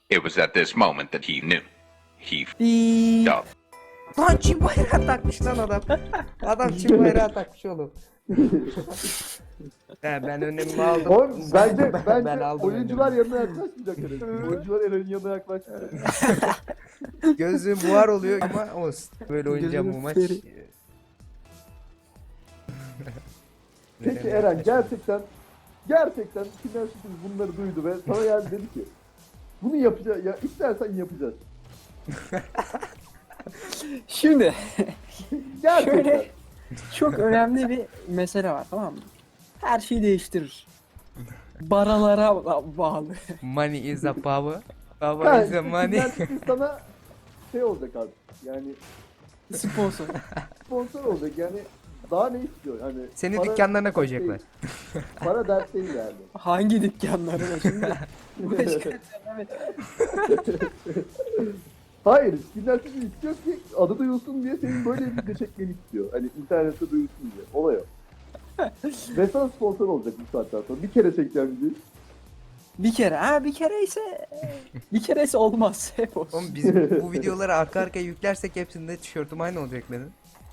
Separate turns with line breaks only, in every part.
It was at this moment that he knew. He
Biiii.
f***ed up.
Lan çim bayrağı takmış lan adam. Adam çim bayrağı takmış oğlum. Ben önlemimi aldım.
Oğlum bence
Ben aldım
oyuncular
önlemimi.
yanına yaklaşmayacak herhalde. Oyuncular Eren'in yanına yaklaşmayacak.
Gözüm buhar oluyor ama olsun. Böyle oynayacağım bu maç.
Gözünü
Peki Eren gerçekten final şutun bunları duydu ve sana geldi dedi ki bunu yapacağız ya istersen yapacağız.
Şimdi
Gerçekten.
şöyle çok önemli bir mesele var, tamam mı? Her şeyi değiştirir. Baralara bağlı.
Money is a power.
Ha,
Power is a money.
final şutun sana şey olacak abi. Yani
Sponsor.
sponsor olacak yani daha ne istiyor? Hani
Seni
para
dükkanlarına
dert
koyacaklar.
değil. Para dert değil yani.
Hangi dükkanlarına şimdi? Başka evet.
Hayır, final şutu istiyor ki adı duyulsun diye senin böyle bir video çekmeni istiyor. Hani internette duyulsun diye. Olay o. Ve sana sponsor olacak bu saatten sonra. Bir kere çekeceğim videoyu.
Bir kere ise olmaz. Hep olsun.
Oğlum biz bu videoları arka arkaya yüklersek hepsinde tişörtüm aynı olacak benim.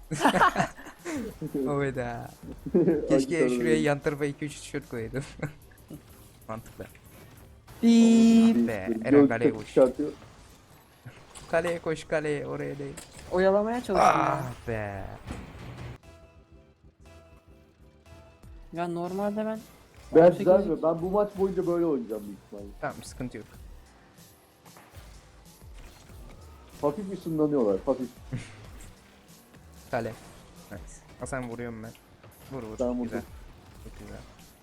Oyda. Keşke şuraya yan tarafa 2-3 tişört koyaydım. Mantıklı.
Biiip.
Be,
Böyle
Eren
göğüs
kaleye
takı
koş.
çıkartıyor.
Kaleye koş kaleye oraya değil.
Oyalamaya çalışıyorum ya.
Ah be.
Ya normalde ben
Ben
18
düzelmiyorum. Ben bu maç boyunca böyle oynayacağım büyük ihtimalle.
Tamam sıkıntı yok.
Hafif ışınlanıyorlar, hafif.
Kale. Nice. Hasan vuruyorum ben. Vur vur.
Tamam,
güzel.
vurdum.
Çok güzel.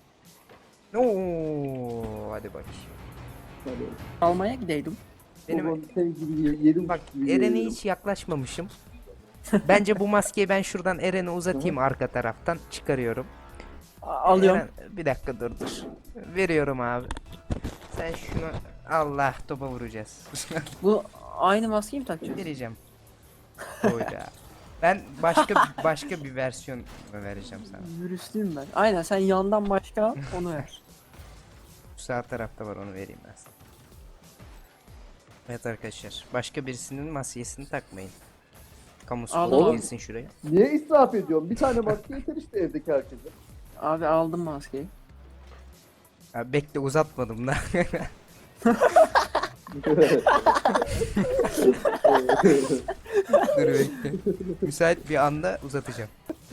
Oo, hadi bak.
Hadi.
almaya gideydim.
Benim
Senin gibi yedim.
bak
gibi
Eren'e
yedim.
hiç yaklaşmamışım. Bence bu maskeyi ben şuradan Eren'e uzatayım arka taraftan çıkarıyorum.
Alıyorum.
Eren, bir dakika dur. Veriyorum abi. Sen şunu Allah topa vuracağız.
Bu aynı maskeyi mi takacağız?
Vereceğim. Oyda. Ben başka bir versiyon vereceğim sana.
Virüslüyüm ben. Aynen, sen yandan başka al, onu ver.
Şu sağ tarafta var, onu vereyim ben sana. Evet arkadaşlar, başka birisinin maskesini takmayın. Kamu
Aldım
spotu
abi.
girsin şuraya.
Niye israf ediyorum? Bir tane maske yeter işte evdeki herkese.
Abi aldım maskeyi.
Ha, bekle uzatmadım da. Dur bekle. Müsait bir anda uzatacağım.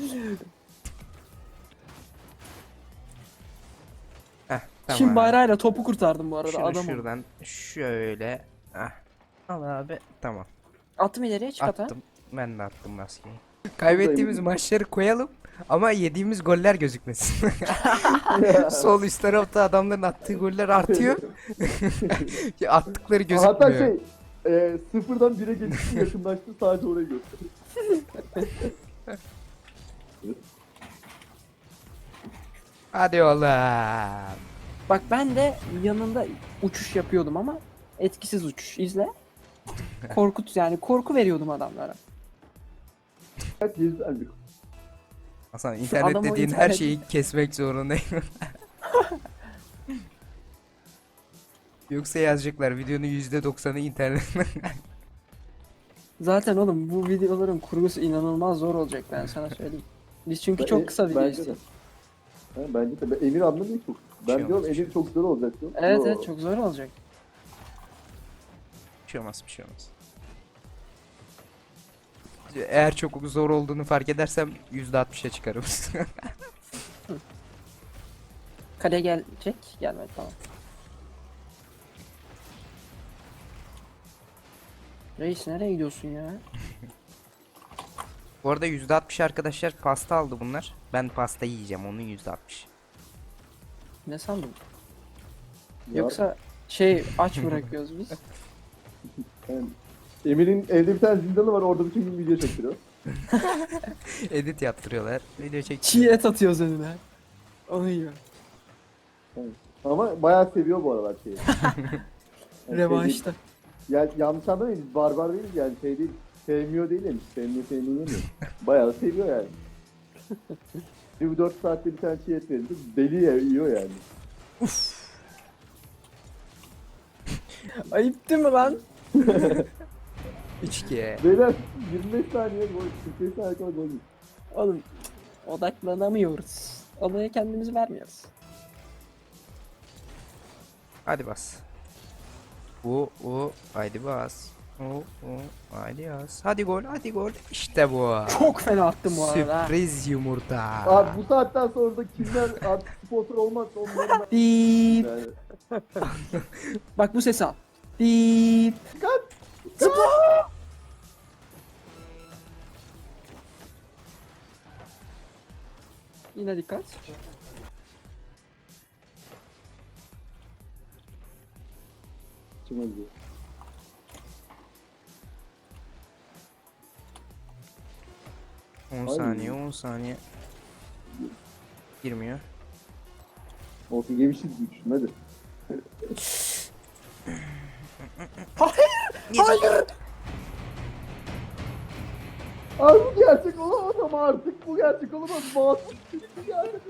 Heh, tamam.
Çin bayrağıyla topu kurtardım bu arada,
Şunu
adamım.
şuradan şöyle. Heh. Al abi, tamam.
Attım ileriye, çık ata.
Attım. Ben de attım maskeyi. Kaybettiğimiz maçları koyalım ama yediğimiz goller gözükmesin. Sol üst tarafta adamların attığı goller artıyor. Ya attıkları gözükmüyor.
Hatta sıfırdan 1'e geçti yakınlaştı sadece orayı gösteriyor.
Hadi oğlum.
Bak ben de yanında uçuş yapıyordum ama etkisiz uçuş. İzle. Korku veriyordum adamlara.
Evet, güzel bir
Hasan internet
adam o
dediğin her
internet-
şeyi kesmek zorundayım. Yoksa yazacaklar videonun %90'ı internet.
Zaten oğlum bu videoların kurgusu inanılmaz zor olacak, ben sana söyleyeyim. Biz çünkü çok kısa video
Bence de.
istiyoruz.
Ha, bence de. Emir anlamıyor çok. Ben
Şey
diyorum
olmaz,
Emir çok zor olacak diyorum.
Evet
Yo.
evet, çok zor olacak.
Bir şey olmaz, bir şey olmaz. Eğer çok zor olduğunu fark edersem %60'a çıkarım.
Kale gelecek. Gelmedi, tamam. Reis nereye gidiyorsun ya?
Bu arada %60 arkadaşlar pasta aldı bunlar. Ben pasta yiyeceğim, onun %60.
Ne sandın?
Ya,
Yoksa aç bırakıyoruz biz.
yani Emir'in evde bir tane zindanı var orada bütün gün video çektiriyor.
Edit yaptırıyorlar. Video
Çiğ
çekiyor.
et atıyoruz önüne. Onu yiyor.
Ama bayağı seviyor bu aralar şeyi. Yani
Revanşta.
yani yanlış anlamayın biz barbar değiliz yani şey değil. Sevmiyor değil yani. Sevmiyor yemiyor. Bayağı seviyor yani. Bir 4 saatte bir tane çiğ et verildi. Deli yiyor yani.
Ayıp değil mi lan?
3-2.
Beyler 25 saniye gol. 45 saniye sonra gol.
Oğlum odaklanamıyoruz. Olaya kendimizi vermiyoruz.
Hadi bas. Haydi bas. Haydi bas. Hadi gol, hadi gol. İşte bu.
Çok fena attım bu arada.
Sürpriz yumurta.
Abi bu saatten sonra da kimler artık sponsor olmazsa onların
Diip.
yani.
Bak bu sesi al. Diip.
Dikkat!
Yine dikkat.
Kim acıyor?
On
Ay.
saniye, 10 saniye. Girmiyor.
Olsun yemişiz diye düşün hadi.
Hayır.
Abi bu gerçek olamaz ama artık bu gerçek olamaz. Masum çıktı gerçek.